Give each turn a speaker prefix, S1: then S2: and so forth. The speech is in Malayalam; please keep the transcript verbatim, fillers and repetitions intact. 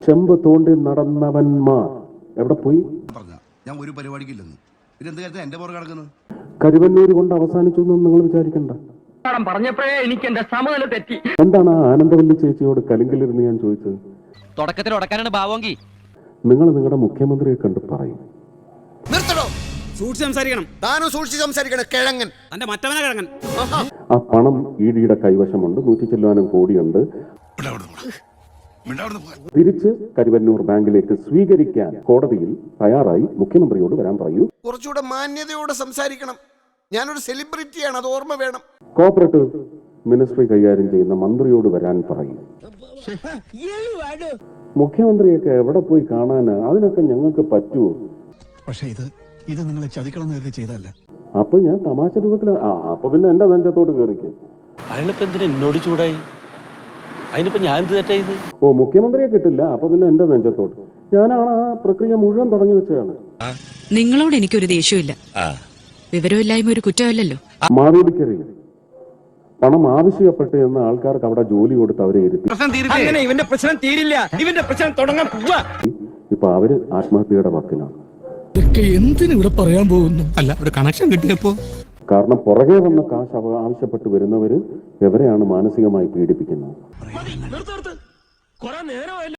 S1: ചെമ്പ് തോണ്ടി നടന്നവന്മാർ എവിടെ പോയി?
S2: ഞാൻ ഒരു പരിപാടിക്കില്ലെന്ന് പിന്നെ എന്ത് കാര്യത്തിൽ എന്റെ പുറകെ കിടക്കുന്നത്?
S1: കരുവന്നൂർ കൊണ്ട് അവസാനിച്ചു എന്ന് നിങ്ങൾ വിചാരിക്കണ്ട.
S3: പറഞ്ഞപ്പോഴേ എനിക്ക് എന്റെ സമനില തെറ്റി.
S1: എന്താണ് ആ ആനന്ദവല്ലി ചേച്ചിയോട് കലിങ്കിലിരുന്ന് ഞാൻ ചോദിച്ചത്?
S4: തുടക്കത്തിൽ ഉടക്കാനാണ് ഭാവമെങ്കിൽ
S1: നിങ്ങൾ നിങ്ങളുടെ മുഖ്യമന്ത്രിയെ കണ്ട് പറയും.
S5: നിർത്തണോ?
S6: സൂക്ഷിച്ച് സംസാരിക്കണം.
S5: താനും സൂക്ഷിച്ച് സംസാരിക്കണം. കിഴങ്ങൻ
S6: തന്റെ മറ്റവനെ കിഴങ്ങൻ.
S1: ആ പണം ഇ ഡിയുടെ കൈവശമുണ്ട്, നൂറ്റി ചെല്ലുവാനും കോടിയുണ്ട്. തിരിച്ച് കരുവന്നൂർ ബാങ്കിലേക്ക് സ്വീകരിക്കാൻ കോടതിയിൽ തയ്യാറായി മുഖ്യമന്ത്രിയോട് വരാൻ പറയൂ.
S5: കുറച്ചുകൂടെ മാന്യതയോടെ സംസാരിക്കണം. ഞാനൊരു സെലിബ്രിറ്റിയാണ്, അത് ഓർമ്മ വേണം.
S1: കോപ്പറേറ്റീവ് മിനിസ്ട്രി കൈകാര്യം ചെയ്യുന്ന മന്ത്രിയോട് വരാൻ പറയും. മുഖ്യമന്ത്രിയൊക്കെ എവിടെ പോയി കാണാന്? അതിനൊക്കെ ഞങ്ങൾക്ക് പറ്റുമോ?
S7: പക്ഷേ ഇത് ഇത് നിങ്ങളെ ചതിക്കണം എന്ന് ചെയ്തല്ല.
S1: അപ്പൊ ഞാൻ തമാശ രൂപത്തിൽ ആ അപ്പൊ പിന്നെ എന്റെ നെഞ്ചത്തോട് കയറിക്കും.
S4: അതിനിപ്പോ എന്തിനാ എന്നോട് ചൂടായി? അതിനിപ്പോ ഞാൻ എന്ത് തെറ്റാ ചെയ്ത്?
S1: ഓ, മുഖ്യമന്ത്രിയെ കിട്ടില്ല, അപ്പൊ പിന്നെ എന്റെ നെഞ്ചത്തോട്ട്. ഞാനാണ് ആ പ്രക്രിയ മുഴുവൻ തുടങ്ങി വെച്ചതാണ്.
S8: നിങ്ങളോട് എനിക്കൊരു ദേഷ്യമില്ല. വിവരമില്ലായ്മ ഒരു കുറ്റമല്ലല്ലോ.
S1: മാവേലിക്കരയിൽ പണം ആവശ്യപ്പെട്ട് എന്ന ആൾക്കാർക്ക് അവിടെ ജോലി കൊടുത്ത് അവരെ ഇരുത്തി.
S3: ഇവന്റെ പ്രശ്നം തീരില്ല, ഇവന്റെ പ്രശ്നം തുടങ്ങാൻ.
S1: ഇപ്പൊ അവര് ആത്മഹത്യയുടെ വക്കിലാണ്.
S7: എന്തിനു ഇവിടെ പറയാൻ പോകുന്നു? അല്ല, ഒരു കണക്ഷൻ കിട്ടിയപ്പോ.
S1: കാരണം പുറകെ വന്ന കാശ് ആവശ്യപ്പെട്ട് വരുന്നവര് എവരെയാണ് മാനസികമായി പീഡിപ്പിക്കുന്നത്.